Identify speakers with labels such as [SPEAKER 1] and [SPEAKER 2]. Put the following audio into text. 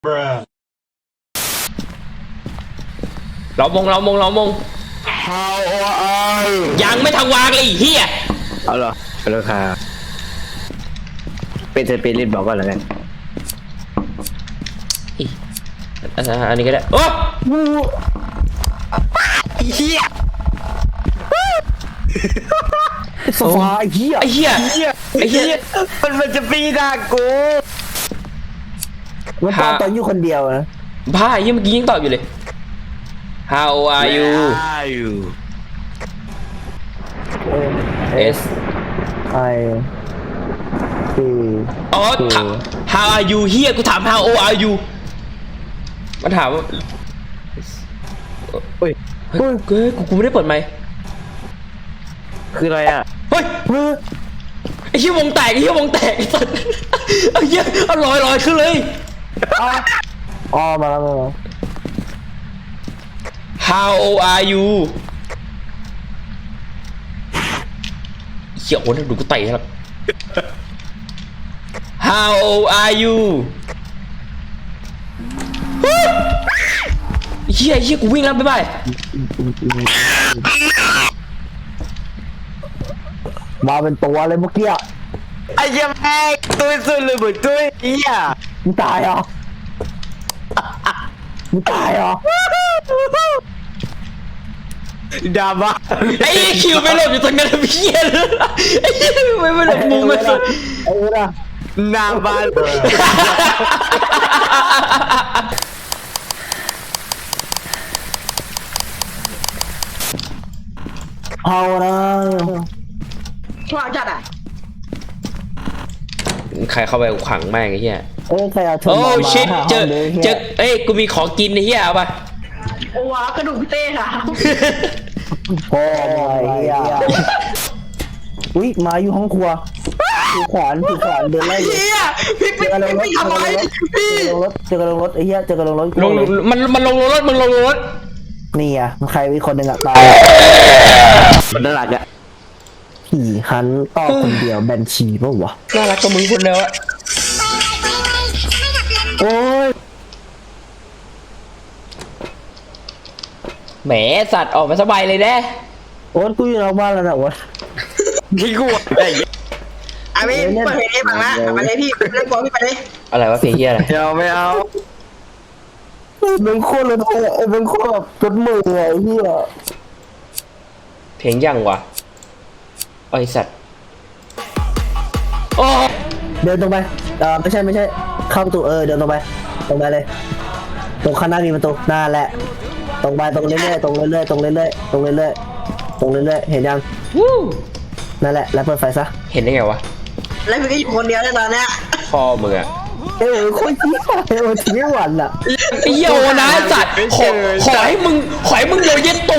[SPEAKER 1] เรามง
[SPEAKER 2] How are you
[SPEAKER 1] ยังไม่ทางวางเลยไอ้เฮีย
[SPEAKER 2] เอาเหรอราคาเป็นสเปริตบอกก่อนแล้วกัน
[SPEAKER 1] อันนี้ก็ได้โอ้
[SPEAKER 2] เฮียโซฟาเฮีย
[SPEAKER 1] ไอ้เฮีย
[SPEAKER 2] มันจะปีด่ากูมันตอนอยู่คนเดียวนะ
[SPEAKER 1] บ้าไอ้เฮียเมื่อกี้ยังตอบอยู่เลย How are you S
[SPEAKER 2] I T
[SPEAKER 1] อ๋อถาม How are you เฮียกูถาม How are you มันถามว่า
[SPEAKER 2] เฮ้ย
[SPEAKER 1] เฮ้ยกูไม่ได้เปิดไมค์
[SPEAKER 2] คืออะไรอ่ะ
[SPEAKER 1] เฮ้ยไอ้เหี้ยวงแตกไอ้สัสไอ้เหี้ยเอาลอยขึ้นเลย
[SPEAKER 2] อ๋อมาแล้ว
[SPEAKER 1] How are you เหี้ยโอ้ยดูกูเตะครับ How are you เหี้ยกูวิ่งแล้วบ๊ายบาย
[SPEAKER 2] มาเป็นตัวเลยเมื่อกี้ไอ้ยังแม่ตัวสุดเลยเหมือนตัวเฮียมึงตายเหรอดาบ้า
[SPEAKER 1] ไอ้คิวไม่หลบอยู่ตรงนั้นเพี้ยเลยไอ้เหี้ยไม่หลบมุมไม่สุด
[SPEAKER 2] ไอ้เนี่ยนาบ้าเอานะ
[SPEAKER 3] ว่าจัดอ่ะ
[SPEAKER 1] ใครเข้าไปขังแม่งไอ้เหี้ย
[SPEAKER 2] ใครเอาเธอ
[SPEAKER 1] โอ้
[SPEAKER 2] มา
[SPEAKER 1] ชิตเจอเอ้ยกูมีของกินไอ้เหี้ยเอาป่ะ
[SPEAKER 3] โอ้วะกระดูกพี่เต้ค่ะ
[SPEAKER 2] พ่อไอ้เหี้ยอุ้ยมาอยู่ห้องครัวถือขวานเดินไล่
[SPEAKER 3] เฮียพี่
[SPEAKER 2] เจอกระลงรถ
[SPEAKER 3] ทำไมพี่
[SPEAKER 2] เจอกระลงรถไอ้เหี้ยเจอกระลงรถ
[SPEAKER 1] มันลงรถมึงลงรถ
[SPEAKER 2] นี่อ่ะใครมีคนหนึ่งอ่ะตายมันน่ารักอ่ะผีหันต่อคนเดียวแบนชีป่ะวะ
[SPEAKER 1] น่ารักกับมึงคนเดียวอะ
[SPEAKER 2] โอ้ย
[SPEAKER 1] แหมสัตว์ออกมาสบายเลยแน่
[SPEAKER 2] โอ๊ตกูอยู่นอกบ้านแล้วนะโอ๊ต
[SPEAKER 1] พี่กูอะไร
[SPEAKER 3] อ่ะพี่เปิดเพลงให้ฟังละไปเลยพี่เล่นบอลพี่ไปเลย
[SPEAKER 1] อะไรวะเพลงเหี้ยอะไร
[SPEAKER 2] ไม่เอาเป็นโคตรเลยเป็นโคตรแบบจดมือไอ้เหี้ย
[SPEAKER 1] เพลงยังวะไอสัตว์โอ้
[SPEAKER 2] เดินตรงไปไม่ใช่เข้าประตูเดินตรงไปเลยตรงข้างหน้ามีประตูหน้าแหละตรงไปตรงเรื่อยๆเห็นยัง
[SPEAKER 1] วู้
[SPEAKER 2] นั่นแหละแล้วเปิดไฟซะ
[SPEAKER 1] เห็นได้ไงวะ
[SPEAKER 3] แล้วพี่ก็อยู่คนเดียวในตอนเนี้ย
[SPEAKER 1] พ่อมึงอะ
[SPEAKER 2] คนที่ไม่หวันอ่ะ
[SPEAKER 1] ไอ้เหี้ยโอนะสัตว์ขอให้มึงโดนเย็นต